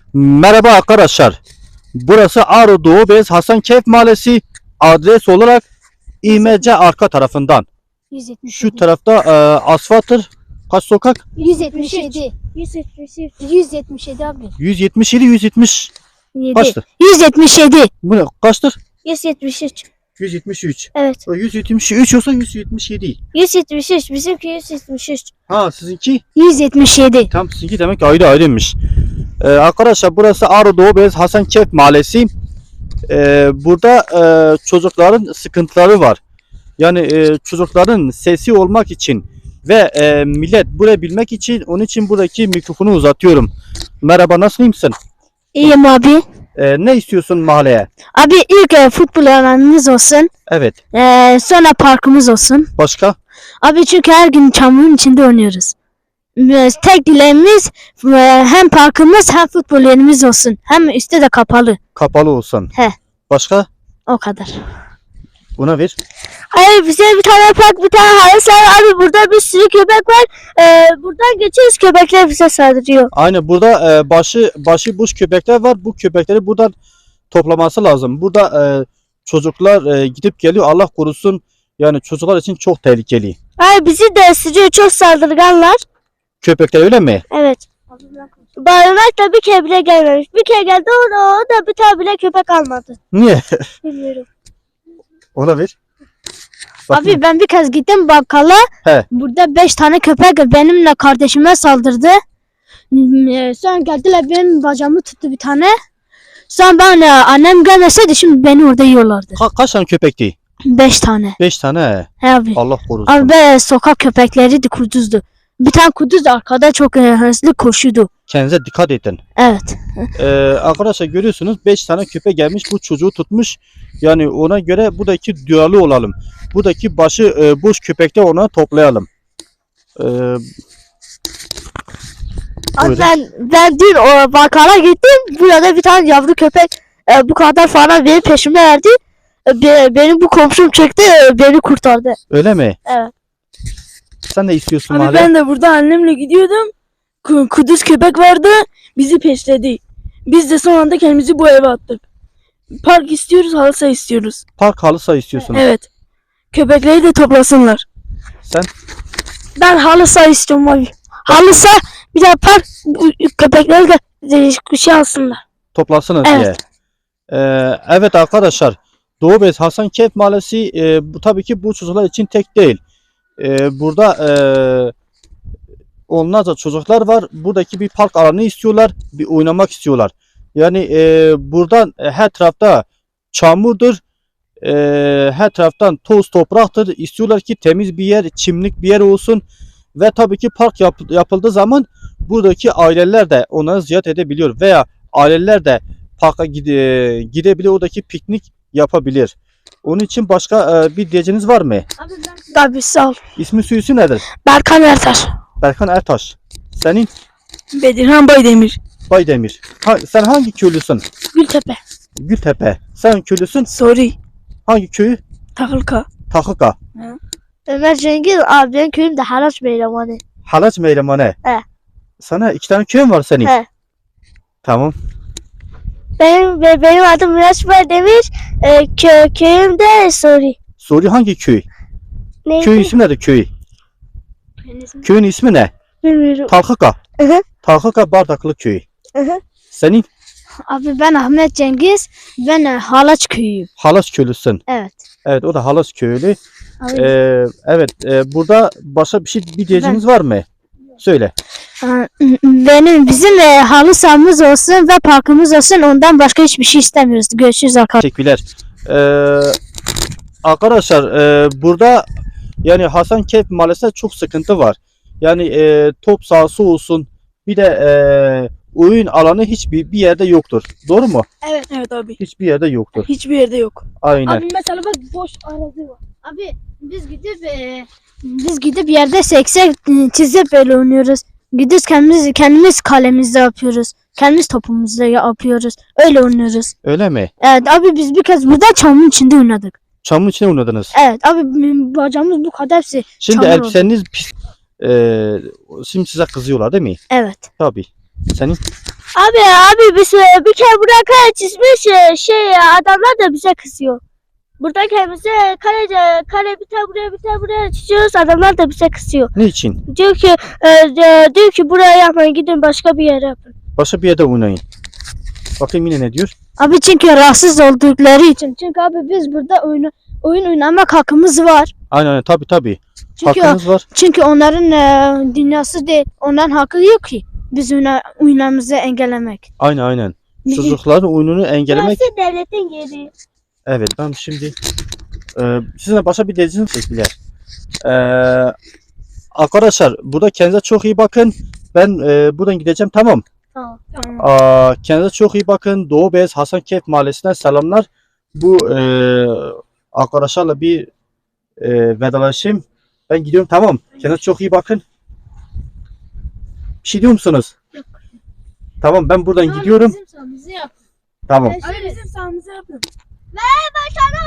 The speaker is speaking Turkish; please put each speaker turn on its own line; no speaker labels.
Merhaba arkadaşlar. Burası Ağrı Doğu Beyaz Hasankeyf Mahallesi. Adres olarak İMC arka tarafından.
177.
Şu tarafta asfalttır. Kaç sokak?
177. 177 abi.
177 170 kaçtır?
177.
Bu ne? Kaçtır?
173.
173.
Evet.
O 173 olsa 177.
173. Bizimki 173.
Ha sizinki?
177.
Tam sizinki demek ayrı ayrıymış. Arkadaşlar burası Ağrı Doğu Beyaz Hasankeyf Mahallesi. Burada çocukların sıkıntıları var. Yani çocukların sesi olmak için ve millet burayı bilmek için onun için buradaki mikrofonu uzatıyorum. Merhaba, nasılsın?
İyiyim abi.
Ne istiyorsun mahalleye?
Abi ilk futbol alanımız olsun.
Evet.
Sonra parkımız olsun.
Başka?
Abi çünkü her gün çamurun içinde oynuyoruz. Tek dileğimiz hem parkımız hem futbol yerimiz olsun. Hem üstte de kapalı.
Kapalı olsun.
He.
Başka?
O kadar.
Buna ver.
Hayır, bize bir tane park, bir tane halı saha. Abi burada bir sürü köpek var. Buradan geçiyoruz, köpekler bize saldırıyor.
Aynı burada başı boş köpekler var. Bu köpekleri buradan toplaması lazım. Burada çocuklar gidip geliyor. Allah korusun. Yani çocuklar için çok tehlikeli.
Hayır, bizi de ısırıyor, çok saldırganlar.
Köpekler öyle mi?
Evet. Barınak da bir kere bile gelmemiş. Bir kere geldi, o da bir tane bile köpek almadı.
Niye?
Bilmiyorum.
Ona ver.
Abi ben bir kez gittim bakkala.
He.
Burada 5 tane köpek benimle kardeşime saldırdı. Sonra geldiler, benim bacağımı tuttu bir tane. Sonra ben annem gelmeseydi şimdi beni orada yiyorlardı.
Kaç tane köpekti?
5 tane.
5 tane.
He abi.
Allah korusun.
Abi be, sokak köpekleri de kuduzdu. Bir tane kuduz arkada çok hızlı koşuyordu.
Kendinize dikkat edin.
Evet.
Arkadaşlar görüyorsunuz 5 tane köpek gelmiş, bu çocuğu tutmuş. Yani ona göre buradaki duyarlı olalım. Buradaki başı boş köpekte ona toplayalım.
Abi
Buyurun.
ben dün o bakkala gittim. Burada bir tane yavru köpek bu kadar falan benim peşime verdi. Benim bu komşum çekti, beni kurtardı.
Öyle mi?
Evet.
Sen de istiyorsun
Abi
mahalle.
ben de burada annemle gidiyordum. Kuduz köpek vardı. Bizi peşledi. Biz de son anda kendimizi bu eve attık. Park istiyoruz, halı saha istiyoruz.
Park halı saha istiyorsunuz.
Evet. Köpekleri de toplasınlar.
Sen?
Ben halı saha istiyorum abi. Halı saha, bir de park, köpekleri de şey alsınlar.
Toplasınız
Evet.
diye. Evet arkadaşlar. Doğu Beyaz Hasankeyf Mahallesi bu tabii ki bu çocuklar için tek değil. Burada onlarca çocuklar var. Buradaki bir park alanı istiyorlar. Bir oynamak istiyorlar. Yani buradan her tarafta çamurdur. Her taraftan toz topraktır. İstiyorlar ki temiz bir yer, çimlik bir yer olsun. Ve tabii ki park yapıldığı zaman buradaki aileler de onları ziyaret edebiliyor. Veya aileler de parka gidebilir. Oradaki piknik yapabilir. Onun için başka bir diyeceğiniz var mı?
Abi sağ ol.
İsmi suyusu nedir?
Berkan Ertaş.
Berkan Ertaş. Senin?
Bedirhan Baydemir.
Baydemir. Sen hangi köylüsün?
Gültepe.
Gültepe. Sen köylüsün?
Sorry.
Hangi köyü?
Takılka.
Takıka.
Ömer Cengiz abi, benim köyüm de Haraç Beylemani.
Halaç Meylemane.
He.
Sana 2 tane köyün var senin.
He.
Tamam.
Benim adım Miraç Baydemir. Köyüm de Sori.
Soru hangi köy?
Neydi?
Köyün ismi nedir köy? Köyün ismi ne?
Bilmiyorum.
Takıka.
Hı hı.
Takıka Bardaklı köyü.
Hı hı.
Senin
Abi ben Ahmet Cengiz. Ben Halaç köyüyüm.
Halaç köylüsün.
Evet.
Evet, o da Halaç köylü.
Abi,
Evet, burada başka bir diyeceğiniz var mı? Söyle.
bizim halı sahamız olsun ve parkımız olsun, ondan başka hiçbir şey istemiyoruz. Görüşürüz arkadaşlar.
Teşekkürler. Arkadaşlar burada yani Hasankeyf Mahallesi'nde çok sıkıntı var. Yani top sahası olsun, bir de oyun alanı hiçbir yerde yoktur. Doğru mu?
Evet abi.
Hiçbir yerde yoktur.
Hiçbir yerde yok.
Aynen.
Abi mesela bak, boş arazi var. Abi biz gidip yerde seksek çizip böyle oynuyoruz. Gidiyoruz, kendimiz kalemizde yapıyoruz. Kendimiz topumuzla yapıyoruz. Öyle oynuyoruz.
Öyle mi?
Evet abi, biz bir kez burada çamurun içinde oynadık.
Çamın içine oynadınız.
Evet abi, bacağımız bu kadar hepsi
Şimdi
çamur oldu.
elbiseniz pis. Şimdi size kızıyorlar değil mi?
Evet.
Tabii. Senin
Abi biz bir kere buraya kare çizmiş adamlar da bize kızıyor. Burada kendimize kare bir tane buraya çiziyoruz, adamlar da bize kızıyor.
Niçin?
Diyor ki buraya yapmayın, gidin başka bir yere yapın.
Başka bir yerde oynayın. Bakayım yine ne diyor?
Abi çünkü rahatsız oldukları için. Çünkü abi biz burada oyun oynamak hakkımız var.
Aynen tabii.
Çünkü
Hakkınız var.
çünkü onların dünyası değil. Onların hakkı yok ki biz oynamamızı engellemek.
Aynen. Çocukların oyununu engellemek.
Burası devletin yeri.
Evet, ben şimdi sizinle başka bir dediğim çektiler. Arkadaşlar burada kendinize çok iyi bakın. Ben buradan gideceğim, tamam.
Tamam.
Kendinize çok iyi bakın. Doğu Beyaz Hasankeyf Mahallesi'nden selamlar. Bu arkadaşlarla bir vedalaşayım. Ben gidiyorum, tamam. Kendinize çok iyi bakın. Bir şey diyor musunuz?
Yok.
Tamam, ben buradan gidiyorum.
Bizim sahamızı yap.
Tamam.
Abi bizim sahamızı yapın.
Başkanım.